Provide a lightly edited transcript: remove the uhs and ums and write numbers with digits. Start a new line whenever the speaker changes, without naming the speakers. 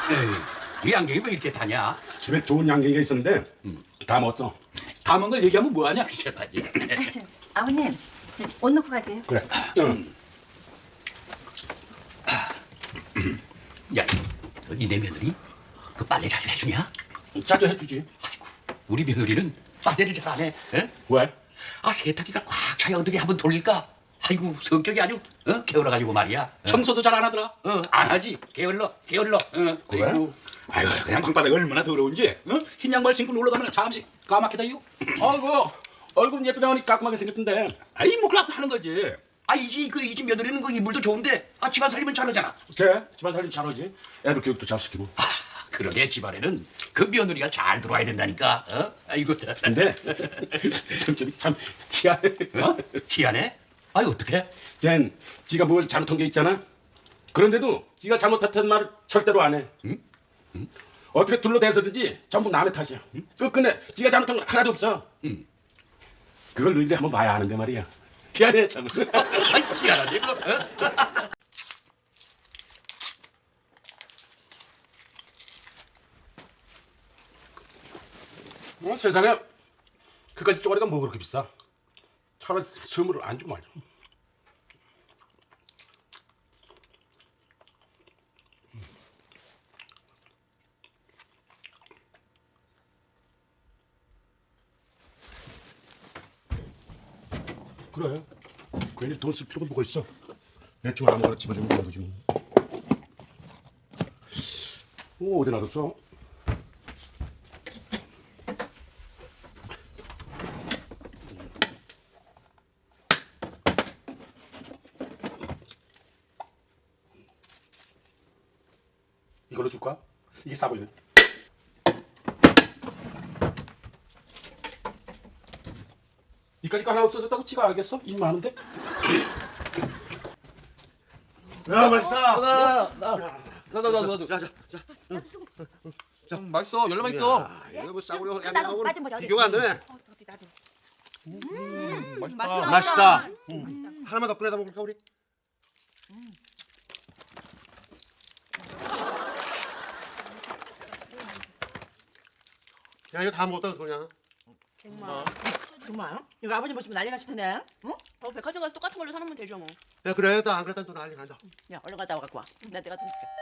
에이, 이 안경이 왜 이렇게 타냐?
집에 좋은 양갱이가 있었는데 다 먹었어.
다 먹은 걸 얘기하면 뭐하냐? 글쎄 말이야.
아버님, 옷 넣고 갈게요.
그래. 응.
야, 니네 며느리 그 빨래 자주 해주냐?
자주 해주지.
아이고, 우리 며느리는 빨래를 잘 안 해. 에?
왜?
아, 세탁기가 꽉 차야 어떻게 한번 돌릴까? 아이고, 성격이 아주 게을러가지고 말이야.
청소도 잘 안 하더라.
안 하지. 게을러.
그래?
아이고.
아이고 그냥 방바닥이 얼마나 더러운지 흰 양말 신고 놀러 가면 잠시 까맣게다요.
아이고 얼굴은 예쁘다니 깔끔하게 생겼던데.
아이 뭐 그냥 하는 거지.
아, 이 집 며느리는 그 이불도 좋은데 집안 살림은 잘하잖아.
그래 집안 살림 잘하지. 애들 교육도 잘 시키고.
아, 그러게 집안에는 그 며느리가 잘 들어와야 된다니까. 아이고.
근데 성격이 참 희한해.
희한해? 아이, 어떡해?
쟨 지가 뭘 잘못한 게 있잖아. 그런데도 지가 잘못했다는 말을 절대로 안 해. 어떻게 둘러대서든지 전부 남의 탓이야. 끝끝내 지가 잘못한 건 하나도 없어. 그걸 너희들이 한번 봐야 아는데 말이야. 희한해 참.
아이, 희한하지 그거.
세상에 그까지 쪼가리가 뭐 그렇게 비싸. 차라리 선물을 안 주고 말이야. 그래. 괜히 돈 쓸 필요가 뭐가 있어. 대충 아무거나 집어주면 되는 거지 뭐. 어디 놔뒀어? 이걸로 줄까? 이게 싸 보이네. 이까짓 거 하나 없어졌다고 지가 알겠어? 일 많은데?
야 맛있다.
나도. 맛있어. 열려 맛있어.
이거 뭐 싸구려
나도
양념하고는
빠진 거지, 어디.
비교가 안 되네.
어디 나도.
맛있다.
맛있다. 하나만 더 꺼내다 먹을까 우리? 야 이거 다 먹었다 그냥.
정말? 이거 아버님 보시면 난리 나실 텐데. 응? 백화점 가서 똑같은 걸로 사놓으면 되죠 뭐.
야 그래 나 안 그랬다 또 난리 난다.
야 얼른 갔다 와 갖고 와. 내가 돈 줄게.